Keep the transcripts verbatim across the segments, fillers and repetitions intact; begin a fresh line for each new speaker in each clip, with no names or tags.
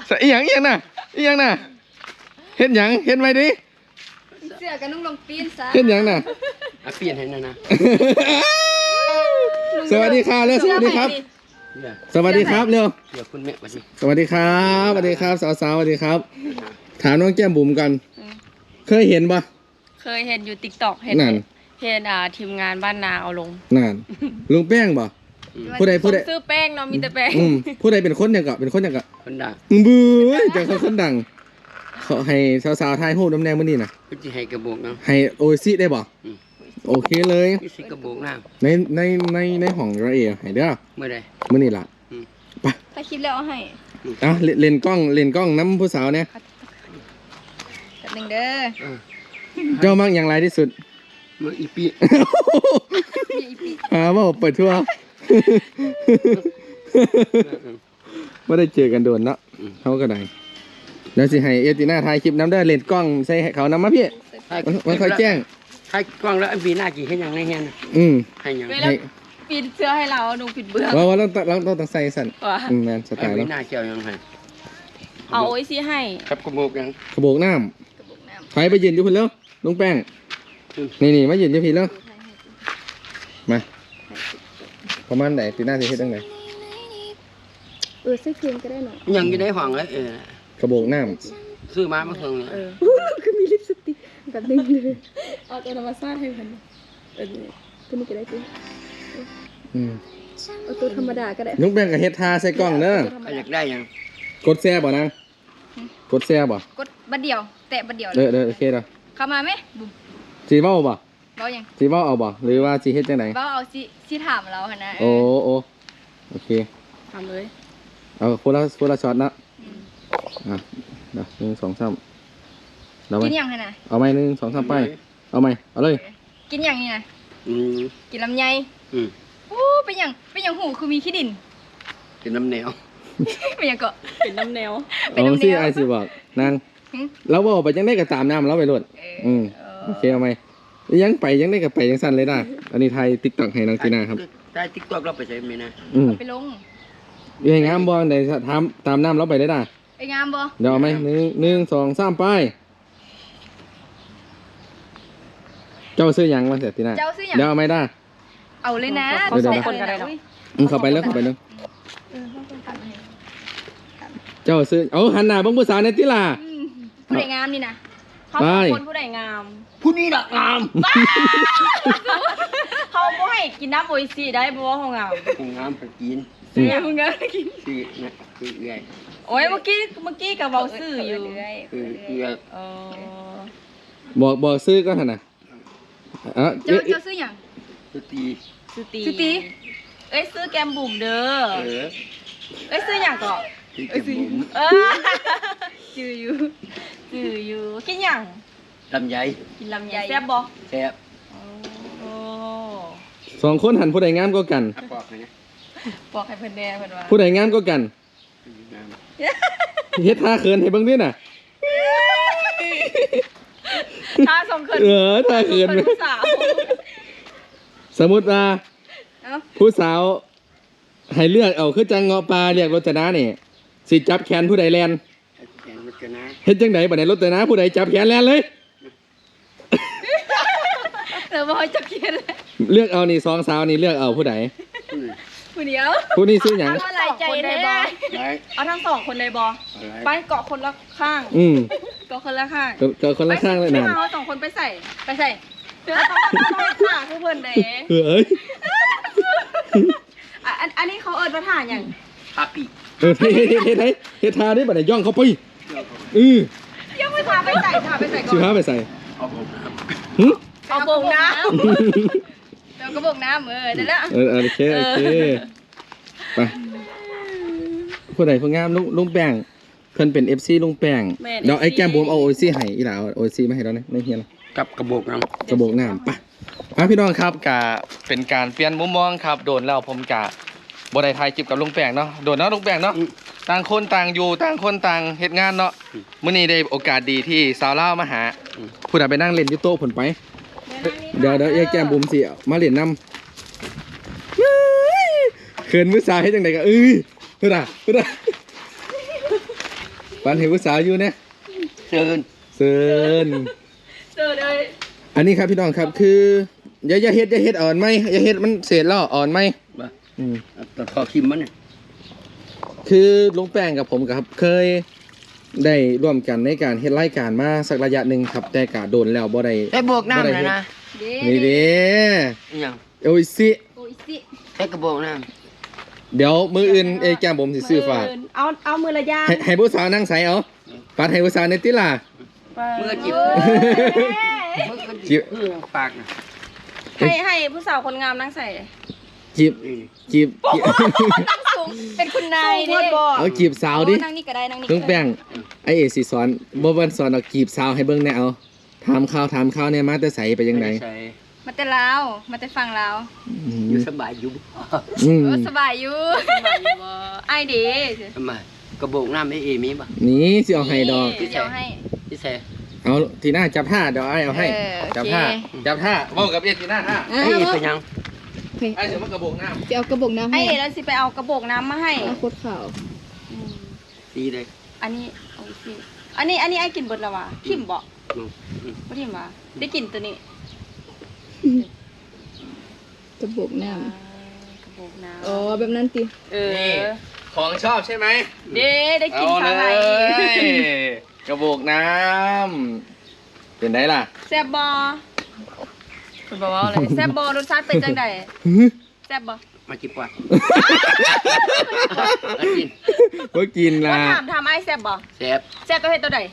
อีหยังอีหยังน่ะอีหยังน่ะเห็นหยังเห็นไหมดิ
เสื้อกับนุ่งลงปีนซะ
เห็นหยังน่ะ
อ่ะเปลี่ยนให้นะนะ
สวัสดีครับเร็วสวัสดีครับสวัสดีครับเร็ว
เดี๋ยวคุณแม่มาสิ
สวัสดีครับสวัสดีครับสาวๆสวัสดีครับถามน้องแก้มบุ๋มกันเคยเห็นปะ
เคยเห็นอยู่ติ๊กต็อกเห็นเห็นอ่าทีมงานบ้านนาเอาลง
นั่นลุงแป้งปะผู้ใดผู้ใด
ซื้อแป้งเนาะมีแต่แป้ง
ผู้ใดเป็นคนอย่างกะเป็นคนอย่างกะ
คนดัง
บื้อจากเขาคนดังเขาให้สาวๆทายหูน้ำแดงมื่อนี้นะ
จะให้กระบอกนะ
ให้โอซิได้ปะโอเคเลย
สิกระบอกน้
ำในในในในห้องระเอียให้เด้อ
เมื่อไร
เมื่อนี้ล่ะ
ไปถ้าคิดแล้วเอาให้
อ่ะเล่นกล้องเล่นกล้องน้ำผู้สาวเนี่ย
จัดหนึ่งเด้อ
เจ้ามักอย่างไรที่สุด
มักอีปี
หาว่าเปิดทั่วไม่ได้เจอกันโดนเนาะเขาก็ได้แล้วสิให้เอติน่าถ่ายคลิปน้ำได้เล่นกล้องใส่เขาน้ำมาพี่มันค่อยแจ้ง
ถ่ายกล้องแล้วปีหน้ากี่ให้ยังไงเงี้ย
อืม
ให้ยัง
ให้ปิดเสื้อให้เราหนูปิดเบื้อง
ว่าว่าต้องต้องต้องต้องใส่สั่นอืมแมนสไตล์แล้ว
ปีหน้าเกี่ยวยังไง
เอาไอ้ซีให้
ครับกระบอกยัง
กระบอกน้ำใครไปยืนอยู่พี่แล้วลุงแป้งนี่นี่มายืนอยู่พี่แล้วมาประมาณไหนตีหน้าสิเฮ็ดตั้งไหน
เออซื้อเพียงก็ได้หน่อย
ยังอยู่ในห้องเลยเออก
ระบอกน้
ำซื้อมาเมื่อคืนเนี่ย
คือมีลิปสติกแบบนึงเลยเอาตัวธรรมชาติให้พันเออตัวนี้ก็ได้ตัว
อืม
เอาตัวธรรมดาก็ได้
ลุงแป้งกับเฮ็ดทาใส่กล้องเนอะ
อยากได้ยัง
กดแซ่บ่นางกดแซ่บ่
กดบัดเดียวแตะบัดเดียว
เด้อเด้อโอเคเด้อ
เข้ามาไหม
สีเว้าบ่
เว้ายัง
สีเว้าเอาบ่หรือว่าสีเฮ็ดจังได๋
เว้าเอาสิสิถามเราหั่นนะ
โอ้โอ้โอเค
ทำเลย
เอาคนละคนละช็อตนะอ่ะเดี๋ยวหนึ่งสองสาม
กินยังหั่นน่ะ
เอาไหมหนึ่งสองสามไปเอาไหมเอาเลย
กินยังนี่นะกินลำไยโอ้เป็นยังเป็นยังหูคือมีขี้ดิน
กินน้ำแนว
เป็นยังก็เป็นน้ำแนว
เอาสิไอสิบอกนางเราบอกไปยังได้กับตามน้ำเราไปรถอืมโอเคเอาไหมยังไปยังได้กับไปยังสั้นเลยได้อันนี้ไทยติ๊กต็อกให้นางจีน่าครับ
ไทยติ๊กต็อกเราไปใช้ไหมนะ
ไปลง
ยังงามบอลในทำตามน้ำเราไปได้ได้
ไปงามบอ
เดี๋ยวเอาไหมหนึ่งหนึ่งสองสามไปเจ้าซื้อยังมาเสร็จทีน่าเดี๋ยวเอาไหมได้
เอาเลยนะ
เดี๋ยวเดี๋ยวอืมเข้าไปแล้วเข้าไปแล้วเจ้าซื้อเอาหันหน้าบังผู้สาวในติล่ะ
ผู้ใดงามนี่นะเขาคนผู้ใดงาม
ผู้นี้ละงาม
เขาไม่ให้กินน้ำโออิชิได้เพราะว่าเขางาม
งามไปกิน
เสียมึงงามไปกิน
ซื้อนะซื้อเอื่อย
โอ้ยเมื่อกี้เมื่อกี้กับเบาซื้ออยู่
ซื้อเอื่อย
บอกบอกซื้อก็หันน่ะ
เจ้าเจ้าซื้ออย่าง
ซื้อตี
ซื้อตีซื้อตีเอ้ยซื้อแกมบุ๋มเด้อเอ้ยซื้ออย่างก่อน
เอ้ยซื้อ
เออจืออยู่จืออยู่กินอย่าง
ลำไย
กินลำไยแซ่บบ่
แซ่บ
สองคนหันผู้ใดงามก็กัน
ปอกให้
ปอกให้เพิ่นแน่เพิ่นว่า
ผู้ใดงามก็กันเฮ็ดท่าเขินให้เบิ่งด้วยน่ะ
ท่าสองเขิน
เออท่าเขินผู้สาวสมมุติว่าผู้สาวให้เลือกเอาคือจังเงาะปลาเรียกรจนานี่สิจับแขนผู้ใดแลนเฮ็ดจังไดบัดนี้รจนาผู้ใดจับแขนแลนเลย
เออบ่ให้จับแขน
เลือกเอานี่สองสาวนี่เลือกเอาผู้ใด
ผู้เดียว
ผู้นี้ซื้อหยัง
เอาหลายใจได้บ่เอาทั้งสองคนเลยบ่ไปเกาะคนละข้าง
อืม
เกาะคนละข้าง
เกาะคนละข้างเลยนะ
เอาสองคนไปใส่ไปใส่ต้องต้องขาผู้เพิ่นเด้
เอ้ย
อันอันนี้เขาเอิญมาถ่านอย่าง
ทาปี
เออเฮ้ยเฮ้ยเฮ้ยเฮ้ยเฮ้ยทาได้บัดไหนย่องเขาไปอื
อย่าไปทาไปใส่ทาไปใส่ก่อน
ชิพาไปใส่
เอาโบกน้
ำเอาโบกน้ำเดี๋ยวก็โบกน้ำเออได้แล้ว
เออโอเคโอเคไปผู้ใดผู้งามลุงลุงแป้งเพิ่นเป็นเอฟซีลุงแป้งเดี๋ยวไอ้แก้มบุ๋มเอาโอซีให้อีหล่าโอซีมาให้เราเนี่ยไม่เฮียน
กับกระบอกน้
ำกระบอกน้ำไปพี่น้องครับกะเป็นการเปลี่ยนมุมมองครับโดนแล้วผมกะบได้ถ่ายคลิปกับลุงแป้งเนาะโดนเนาะลุงแป้งเนาะต่างคนต่างอยู่ต่างคนต่างเหตุงานเนาะมื้อนี้ได้โอกาสดีที่สาวเล่ามาหาผู้ใดไปนั่งเล่นอยู่โต๊ะผลไปเดี๋ยวเดี๋ยวแยกแก้มบุ๋มสิมาเล่นน้ำเขินมือซ้ายให้จังไดก็เอ้ยเฮ้ยเฮ้ยฝันเห็นผู้สาวอยู่เนี่ย
เชิญ
เซิน
เจอเลย
อันนี้ครับพี่น้องครับคืออย่าอย่าเฮ็ดอย่าเฮ็ดอ่อนไหมอย่าเฮ็ดมันเศษแล้วอ่อนไหม
บ่
อืม
ตัดคอคิมมันเนี่ย
คือลุงแป้งกับผมครับเคยได้ร่วมกันในการเฮ็ดรายการมาสักระยะหนึ่งครับแต่กะโดนแล้วบ่ได้
ได้บวกน้ำเลยนะ
เด้
นี่เด้
อหยัง
โอ้ยสิ
โอ้ยสิ
ได้กระบอกน้
เดี๋ยวมืออื่นเอยแก้มผมสิซื้อฝาก
เอาเอามือละย่าง
ให้ให้ผู้สาวนั่งใส่เอาปัดให้ผู้สาวในติล่ะ
ำเมื่อจิบ
เอ้ย
เมื่อก็จิบเพื่อปากนะ
ให้ให้ผู้สาวคนงามนั่งใส่
จีบ
นี่
จีบจีบ
ตั้งสูงเป็นคุณนายดิ
เอาจีบสาวดิ
นั่งนี่ก็ได้นั่งนี่
ลุงแป้งไอเอสิสอนบ่วันสอนเอาจีบสาวให้เบิ่งแน่เอาถามข่าวถามข่าวเนี่ยมาแต่ใสไปยังไง
ใส่
มาแต่ลาวมาแต่ฟังลาว
อื
อยู่
ม
สบายอยู่
อืม
เออสบายอยู่สบายอยู่บ่ไอเด้
ทำไมกระบอกน้ำไอ้เอมีป่ะ
นี่สิเอาให้ดอก
เดี๋ยวให้
พี่แซ่
เอาทีหน้าจับท่าเดี๋ยวไอเอาให้
เออโอเค
จับท่าจับท่าเว้ากับเอ็ดทีหน้าท่า
ไอ้เอเป็นยัง
ไอเดี๋ยวมันกระบอกน้
จะเอากระบอกน้ำ
ไอ
ให้
เอแล้วสิไปเอากระบอกน้ำมาให้
เอาโคตรขาว
อืม
ดีเลย
อันนี้โอเคอันนี้อันนี้ไอกินเบิดแล้ววะทิมบ่
อืมอืม
บ่ทิมวะได้กินตัวนี้
กระบอกน้
อ่ากระบอกน้
ำอ๋อแบบนั้นติ
ำเอ
ำนี่
อ
ของชอบใช่ไหม
เด้ได้กิน
เอา
ครั้ง
เล
ไร
ยกระบอกน้ำเป็นไงล่ะ
แซ่บบ่คุณบอกว่าอะไรแซ่บบ่รสชาติเป็นจังไดแซ่บบ่
มาจิบกว่ามากิน
ก็กิน
ว่า
ละ
ถามถามไอแซ่บบ่
แซ่บ
แซ่บตัวเฮ็ดตัวใด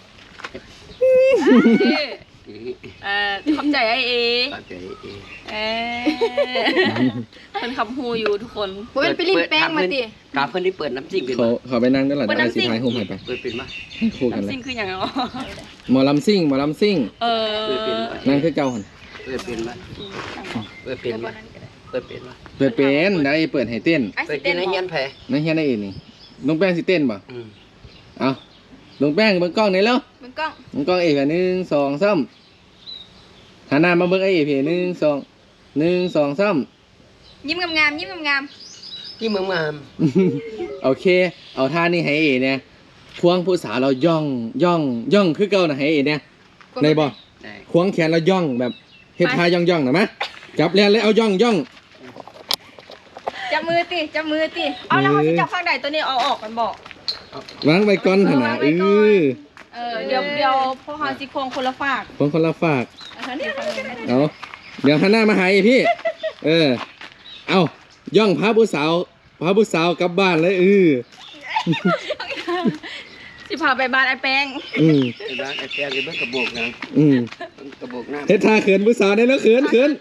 เอ่อขอบใจไอเอ
ปากใจเอ
เออคนคำฮูอยู่ทุกคน
โอ้ยไปลิ้นแป้งมาติ
กาเพื่อนที่เปิดน้ำจิ้มเป็น
เขา
มา
เขาไปนั่งด้วยหลัง
เปิด
ไอ
น้ำซิ่
สี
ง
ท้ายโฮมให้ไป
เปิดเป็นมา
ให้คู่กันเล
น้ำ
ย
ซิ่งคืออย่างไรอ๋อ
หมอลำซิ่งหมอลำซิ่ง
เออ
เปิดเป็นมา
นั่งคือเก่าหัน
เปิดเป็นมาเปิดเป็นมาเปิดเป็นมา
เปิดเป็นได้เปิดให้เต้น
ไอ้
เปิ
สิ
ด
เต้
เป็น นให้ยันแผล
นั่นเฮียได้เองนี่น้องแป้งสิเต้นป่ะ
อืม
เอาลงแป้งเบิ่งกล้องนี่แล้ว
มึงกล้อง
เบิ่งกล้องเอกหนึ่งสองสามหันหน้ามาเบิ่งไอ้เอกหนึ่งสองหนึ่งสองสาม
ยิ้มงามๆยิ้มงาม
ที่เมืองงาม
โอเค เอาท่านี่ให้เอกเนี่ยควงผู้สาวเราย่องย่องย่องคือเก่านะให้เอกเนี่ยในบ่
ได้
ควงแขนเราย่องแบบเฮ็ดท่าย่องย่องนะมะจับแลนเลยเอาย่องย่อง
ๆจับมือติจับมือติเอาแล้วเขาจะจับข้างใดตัวนี้เอาออกกันบอก
วางไว้ก่อนหั่นน่ะเออ
เออเดี๋ยวเดี๋ยวพวกเขาสิควงคนละฝาก
ควงคนละฝาก
อันนี้
เอาเดี๋ยวหันหน้ามาหาไอ้พี่ เออ เอาย่องพาผู้สาวพาผู้สาวกลับบ้านเลยเออ
สิพาไปบ้านไอ้แป้ง
อืม
ไอ้บ้านไอ้แป้งไอ้เบิ้งกระบอกน้
อืม
ำกระบอกน้ำ
เฮ็ดท่าเขินผู้สาวได้แล้วเขินเขิน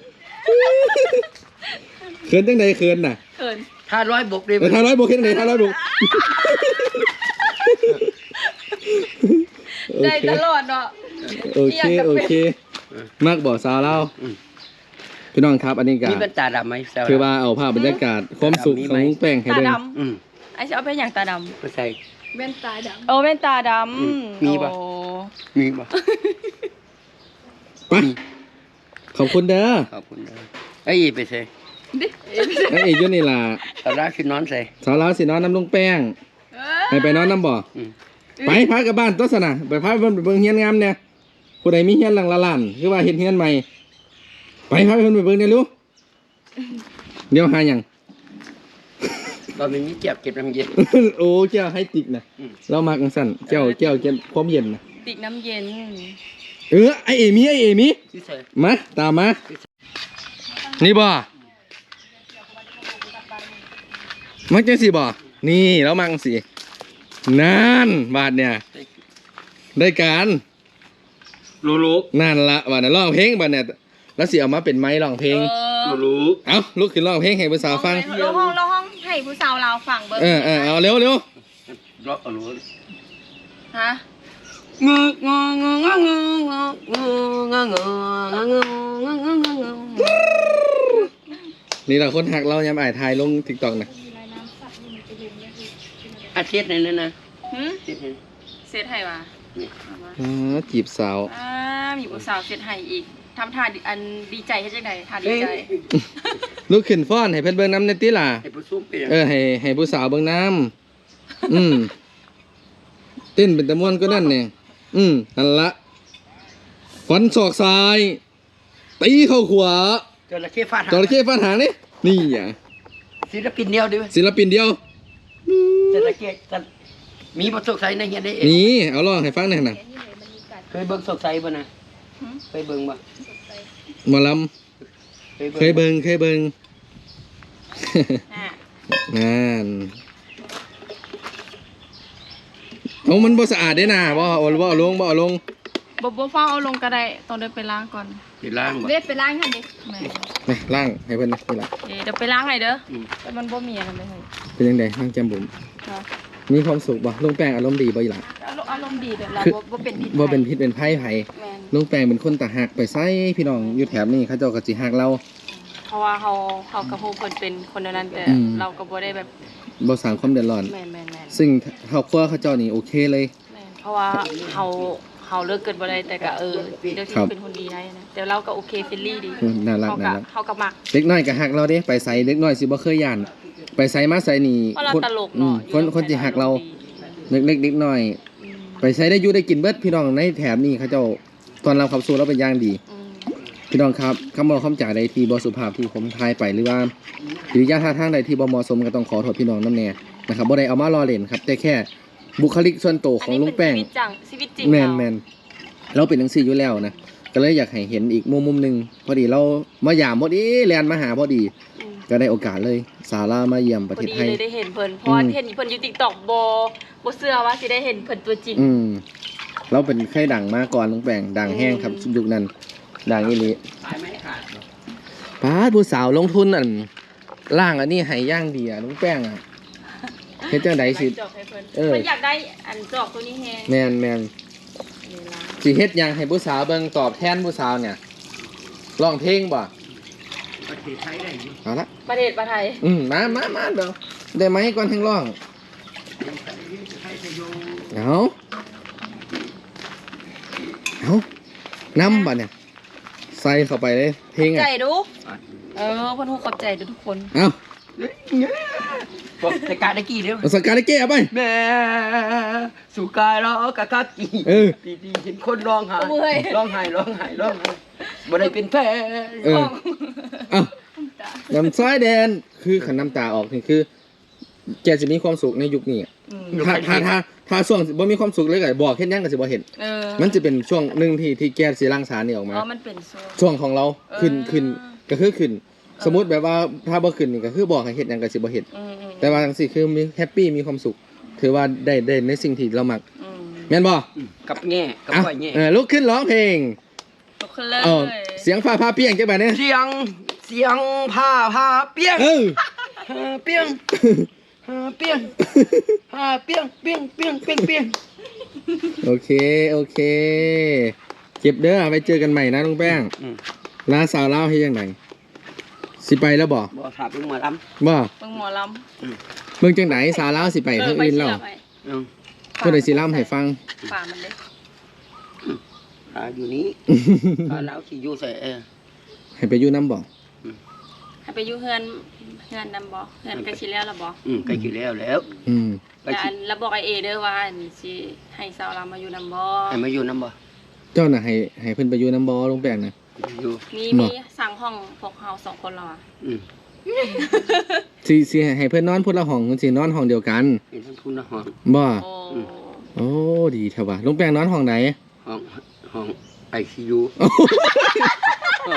เขินจังใดเขินน่ะ
เขิน
ถ้าร้อยบกเลย
เออท่าร้อยบวกเฮ็ดจังใดท่าร้อยบวกโอ
ได้
เค
ตลอดเนาะ
โอเคโอเคมักบ่สาวเราพี่น้องครับ อันนี้ก็
มีเป็นตาดำไหมแซว
คือว่าเอาภาพบรรยากาศความสุขของลุงแป้งให้
ตา
เบิ่ง
ด
อืม
ำไอ้จะเอาไปอย่างตาด
ก็ใส่
แว่นตาด
ำโอ้เป็นตาด
อืม
ำ
มีปะ
โอ้
มีป่ะ
ไปขอบคุณเด้อ
ขอบคุณนะไอ้อีไปใส่
ไอ้เอกอยู่นี่ล่ะ
ตอนแรกคือนอนใส่
สาวลาวสินอนน้ำลุงแป้ง
เอ
ให้ไปนอนน้ำบ่อ
อืม
ไปพากลับบ้านตัวสนะไปพาเพิ่นไปเบิ่งเฮียนงามเนี่ยผู้ใดมีเฮียนหลังละล้านคือว่าเฮ็ดเฮียนใหม่ไปพาเพิ่นไปเบิ่งเนี่ยลูกเดี๋ยวหาหยัง
ตอนนี้เจ็บเก็บน้ำเย็น
โอ้เจ้าให้ติกนะ
อืม
เรามากังสั่นเจ้าเจ้าเก็บความเย็นนะ
ติกน้ำเย็น
เออไอเอมี่ไอเอมี่
ที่ใส่
มาตามมานี่บ่มักจังสิบ่นี่แล้วมังสินั่นบาดเนี่ยได้การ
รู้รู้
นั่นละบาดเนี่ยร้องเพลงบาดเนี่ยแล้วสิเอามาเป็นไม้ร้องเพลง
เออ
รู้
เอาลุกขึ้นร้องเพลงให้ผู้สาวฟัง
เราห้องเราห้องให้ผู้สาวเราฟังเบิ้ง
เออเออเอาเร็วเร็ว
รอรู้
ฮะ
งงงงงงงงงงงงง
นี่เราคนหักเรายามอ่ายทายลงทิกตอกนะ
อาทิตย์นึงนั่นนะ
หืม
อาทิตย์นึง
เซตให้มา
อ๋อจีบสาว
อ่ามีผู้สาวเซตให้อีกทำท่าดิอันดีใจให้จังไดท่าดีใจ
ลุกขึ้นฟ้อนให้เพิ่นเบิ่งน้ำในติล่ะ
ไอ้ผู้ซุ่มเป็น
เออให้ให้ผู้สาวเบิ่งน้ำอืมเต้นเป็นตะม่วนก็นั่นเนี่ยอืมนั่นละฟันศอกซ้ายตีเข้าขวา
จระเข้ฟาดหาง
จระเข้ฟันหางนี่นี่อ่ะ
ศิลปินเดียวดิ
ศิลปินเดียว
จระเข้จะมีบทสกใสในเฮียนได้เอง
นี่เอาลองให้ฟังหน่อยนะ
เคยเบิ่งสกใสบ่นะเคยเบิ่งบ่
หมอลำเคยเบิงเคยเบิง นั่นเอามันบ่สะอาดได้น่ะบ่เอาบ่เอาลงบ่เอาลง
บ่บ่ฟ้าเอาลงก็ได้ต้องเดินไปล้างก่อน
สิล้างบ่
เด็ดไปล้างค่ะดิ
แม่
นี่ล่างให้เพิ่นนะนี่ล่ะ
เดี๋ยวไปล้างให้เด้อ
อืม
แต่มันบ่มีอะไรเลย
เป็นจังได๋ล่างแจ่มบุ๋ม
ค่ะ
มีความสุขบ่ลุงแป้งอารมณ์ดีบ่อีหล่ะ
อารมณ์อารมณ์ดีเด้อเรา
คือ
บ่บ่เป็นพิษ
บ่เป็นพิษเป็นภัยไผ
แม่น
ลุงแป้งเป็นคนตาหักไปไสพี่น้องอยู่แถบนี้เขาเจ้าก็สิฮักเรา
เพราะว่าเฮาเฮากับฮู้เพิ่นเป็นคนเดียวนั้นแต่
อืม
เราก็บ่ได้แบบ
บ่สร้างความเดือดร้อน
แม่นแม่นแม่น
ซึ่งครอบครัวเขาเจ้านี่โอเคเลย
แม่นเพราะว่าเฮาเฮาเลิกเกิดบ่ได้แต่ก็เออเดี๋ยวสิ
ครับ
เป็นคนดีได้นะแต่เราก็โอเคเฟรนลี่ดี
อืมน่ารัก
เฮา
น่า
ก็
รัก
เฮาก็มัก
เด็กน้อยก็ฮักเราเด้ไปไสเด็กน้อยสิบ่เคยย่านไปไสมาไสนี่
เพราะเรา
คน
ตลก
อื
เนาะ
มคนคนสิฮักเรา
ดี
เล็กๆเด็กน้อย
อืม
ไปใช้ได้อยู่ได้กินเบิดพี่น้องในแถบนี้เขาเจ้าตอนรับขับสู่เราเป็นอย่างดี
อืม
พี่น้องครับคำบอกคำจ่าใดที่บ่สุภาพที่ผมทายไปหรือว่าหรือยาท่าทางใดที่บ่เหมาะสมก็ต้องขอโทษพี่น้องน้ำแน่นะครับบ่ได้เอามาล้อเล่นครับแต่แค่บุคลิกส่วนตัวของลุงแป้ง
อันนี้เป็นชีวิตจังชีวิตจริง
แมน
เรา
แมนเราเป็นจังซี่อยู่แล้วนะก็เลยอยากให้เห็นอีกมุมมุมหนึงพอดีเรามาหยามพอดีแลนมาหาพอดี
อืม
ก็ได้โอกาสเลยสารามาเยี่ยมประ
พอ
เทศ
ดี
ไทย
เลยได้เห็นเพิ่นเพราะว่า
อืม
เห็นเพิ่นอยู่ TikTok บ่บ่เชื่อว่าสิได้เห็นเพิ่นตัวจริง
อืมเราเป็นใครดังมาก่อนลุงแป้งดังแห้งครับยุคนั้นดังอีหลี
สายไม้ขาดบ่
ป้าดผู้สาวลงทุนอันล่างอันนี้ให้ย่างดีอ่ะลุงแป้งอ่ะเฮ็ดจังไดสิ
จอกให้เพิ่น
เออ
เพิ่นอยากได้อันจอกตัวนี้แฮง
แม่นแม่น
นี่ล่ะ
สิเฮ็ดหยังให้ผู้สาวเบิ่งตอบแทนผู้สาวเนี่ยร้องเพลงบ่
ประเทศไทยได้อยู่
เอาละ
ประเทศประไทย
อืมมามามาเดี๋ยวได้ไหมก่อนทั้งร้อง
ไทยจะอยู่
เอาเอาน้ำบ่เนี่ยใส่เข้าไปเลยเพลง
ใจ
อ่ะ
ดูเออเพิ่นฮู้ขอบใจเด้อทุกคน
เอา
บอกแต่กาตะกี้เด้อ
เอาสกาได้แก้ไป
แม่สุกายร้องกะกะกี้
เออ
ดีๆเห็นคนร้องไห้ร้องไห้ร้องไห้ร้องไห้บ่ได้เป็นแพ้
เออเอาน้ำซ้ายแดนคือขันน้ำตาออกนี่คือ แกจะมีความสุขในยุคนี้อะ
อืม
ถ้าถ้าถ้าถ้าช่วงบ่มีความสุขเลยก็บอกเฮ็ดหยังก็สิบ่เห็น
เออ
มันจะเป็นช่วงหนึ่งที่ที่แกสิรังสารนี่ออกมา
อ๋อมันเป็นโซน
ช่วงของเราขึ้น
เออ
ขึ้นก็คือขึ้น สมมุติแบบว่าถ้าบ่ขึ้นนี่ก็คือบอกให้เฮ็ดหยังก็สิบ่เฮ็ด
อืมอืม
แต่ว่าจังซี่คือมีแฮปปี้มีความสุข ถือว่าได้ได้ในสิ่งที่เรามัก
อืม
แม่นบ่
กับแง่กับ
อ่ะ
ก้อยแง่
เออลุกขึ้นร้องเพลง
ตกขึ้นเลย
เออเสียงฟ้าพาเปียงจังบัดนี้
เสียงเสียงผ้าผ้าเปียง
เออ
ผ้าเปียงผ้าเปียงผ้าเปียงเปียงเปียงเปียงเปียง
โอเคโอเคเก็บเด้อไปเจอกันใหม่นะลุงแป้ง
อืม
ลาสาวลาวเฮ็ดจังไดสิไปแล้วบ่
บ่ถามลุงหมาล
บ่
เบิ่งหมอลำ
เบิ่งจังไดสาวลาวสิไปทางอื่นแล้ว
ไป
ำอืม
เพิ่นได้สิล่ำให้ฟัง
ป่ามันเด้
อ่าอยู่นี้อ่าแล้วสิอยู่ใส่เออ
ให้ไปอยู่น้ำบ่
ให้ไปอยู่เฮือนเฮือนนำบ่เฮือนใกล้สิแล้วล่ะบ่
อืมใกล้กี่แล้วแล้ว
อืม
ไป
แต่
สิ
อันแล้วบอกไอเอเด้อว่าอันสิให้สาวลามาอยู่นำบ่
ให้มาอยู่น้ำบ่
เจ้าน่ะให้ให้เพิ่นไปอยู่น้ำบ่ลุงแป้งน่ะ
อยู่
มี
บ่
มีสั่งห้องพวกเฮาสองคนแล้วอ่ะ
อืม
สิสิให้เพิ่นนอนพุ่นละห้องสินอนห้องเดียวกัน
เห็นทั้งทุนนะห้อง
บ่
โอ้
โอ้ดีแท้ว่ะลุงแป้งนอนห้องไหน
ห้องห้องไอซียูห้อง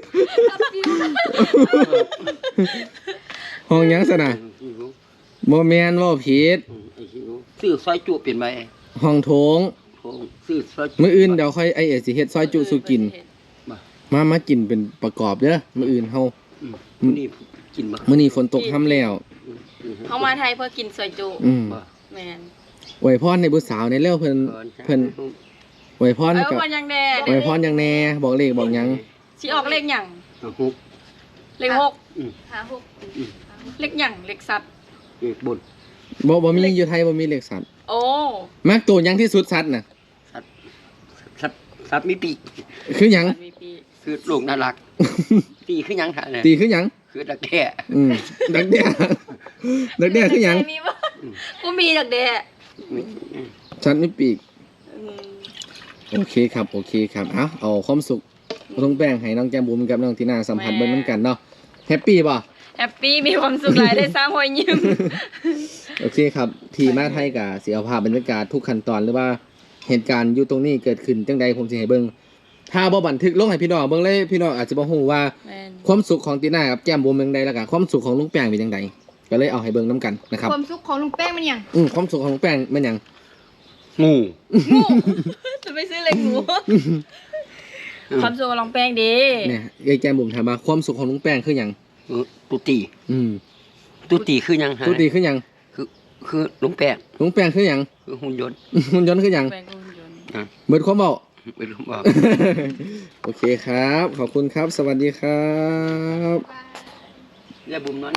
ห้องหยังซะน่ะ
ไอซียู
บ่แม่นเว้าผิด
ไอซียูซื้อซอยจุเปลี่ยนไป
ห้องโถง
ห้องซื้อซอยจุ
มื้ออื่นเดี๋ยวค่อยไอ้เอสิเฮ็ดซอยจุสู่กิน มามากินเป็นประกอบเด้อมื้ออื่นเฮา
อืมมื้อนี่กินบ่
มื้อนี้ฝนตกค่ำแล้ว
อืมอืม
เฮามาไทยเพื่อกินซอยจุ
อืม
บ่
แม่น
อวยพรให้ผู้สาวในเร็วเพิ่นเพิ่นอวยพร
เอ้า
กับ
วันยังแด
อวยพรหยังแน่บอกเลขบอกหยัง
สิออกเลขหยัง
เอาฮุบ
เลขหก
อืม
หาหก
เลขหยังเลขสัตว์
เอกบน
บ่บ่มีอยู่ไทยบ่มีเลขสัตว์
โอ้
มักตัวหยังที่สุดสัตว์น่ะ
สัตว์สัตว์สัตว์มีปีก
คือหยัง
มีปี
คือลูกน่ารักปีคือหยังค่ะเนี่ย
ตีคือหยัง
คือตะแก่
อืมดักแด้ดักแด้คือหยัง
มีบ่กูมีดักแด้
มี
ฉันไม่ปีกโอเคครับโอเคครับเอาเอาความสุขลุงแป้งให้น้องแก้มบุ๋มกับน้องทีน่าสัมผัสเบิ้งน้ำกันเนาะแฮปปี้ป่ะ
แฮปปี้มีความสุขหลายได้สร้างรอยยิ้ม
โอเคครับที่มาไทยกับเสียภาพบรรยากาศทุกขั้นตอนหรือว่าเหตุการณ์อยู่ตรงนี้เกิดขึ้นจังใดผมสิให้เบิ่งถ้าบ่บันทึกลงให้พี่น้องเบิ่งเลยพี่น้องอาจจะบ่ฮู้ว่า
แม่น
ความสุขของตีน่ากับแก้มบุ๋มเป็นจังใดแล้วก็ความสุขของลุงแป้งเป็นจังใดก็เลยเอาให้เบิ่งนํกันนะครับ
ความสุขของลุงแป้งมันหยัง
อืมความสุขของลุงแป้งมันหยัง
งู
จะไปซื้อเล็กหมูความสุขของลองแป้งดี
เนี่ยยายแก้มบุ๋มถามว่าความสุขของลุงแป้งคือหยัง
เออตุตี
อืม
ตุตีคือหยังฮะ
ทุกทีคือหยัง
คือคือลุงแป้ง
ลุงแป้งคือหยัง
คือหุ่นยนต์
หุ่นยนต์คือหยัง
แป้งก็หุ่นยนต์
อ่ะ
เบิดความเว้า
ไม่รู้ว่า
โอเคครับ ขอบคุณครับ สวัสดีครับ
อย่าบุ่มนอน